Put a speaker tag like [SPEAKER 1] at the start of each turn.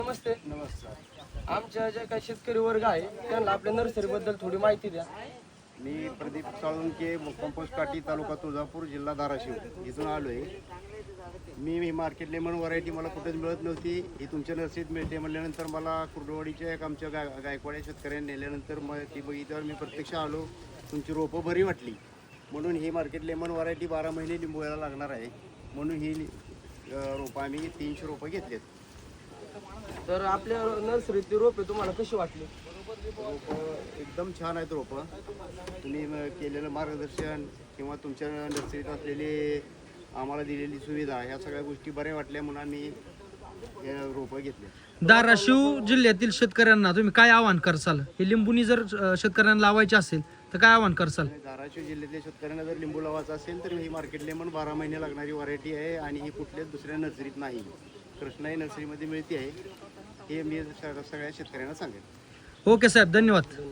[SPEAKER 1] नमस्ते.
[SPEAKER 2] नमस्कार.
[SPEAKER 1] आमच्या जे काही शेतकरी वर्ग आहे त्यांना आपल्या नर्सरीबद्दल थोडी माहिती द्या.
[SPEAKER 2] मी प्रदीप साळुंके, कंपोस्ट काठी, तालुका तुळजापूर, जिल्हा धाराशिव इथून आलो आहे. मी ही मार्केट लेमन व्हरायटी मला कुठेच मिळत नव्हती. ही तुमच्या नर्सरीत मिळते म्हणल्यानंतर मला कुर्डवाडीच्या एक आमच्या गायकवाड्या शेतकऱ्यांनी नेल्यानंतर मग ती बघितल्यावर मी प्रत्यक्ष आलो. तुमची रोपं बरी वाटली म्हणून ही मार्केट लेमन व्हरायटी 12 महिने लिंबवायला लागणार आहे म्हणून ही रोपं आम्ही 300 रोपं घेतलेत.
[SPEAKER 1] तर आपल्या नर्सरीतली रोपे तुम्हाला कशी वाटली?
[SPEAKER 2] रोपं एकदम छान आहेत. रोपं तुम्ही केलेलं मार्गदर्शन किंवा तुमच्या नर्सरीत असलेली आम्हाला दिलेली सुविधा ह्या सगळ्या गोष्टी बऱ्या वाटल्या म्हणून आम्ही हे रोपं घेतले.
[SPEAKER 3] धाराशिव जिल्ह्यातील शेतकऱ्यांना तुम्ही काय आवाहन करसाल? हे लिंबूनी जर शेतकऱ्यांना लावायचे असेल तर काय आवाहन करसाल?
[SPEAKER 2] धाराशिव जिल्ह्यातल्या शेतकऱ्यांना जर लिंबू लावायचा असेल तर ही मार्केट लेमन 12 महिने लागणारी व्हरायटी आहे आणि ही कुठल्याच दुसऱ्या नर्सरीत नाही. कृष्णाई नर्सरीमध्ये मिळते आहे. हे मी सगळ्या शेतकऱ्यांना सांगेन.
[SPEAKER 3] ओके साहेब, धन्यवाद.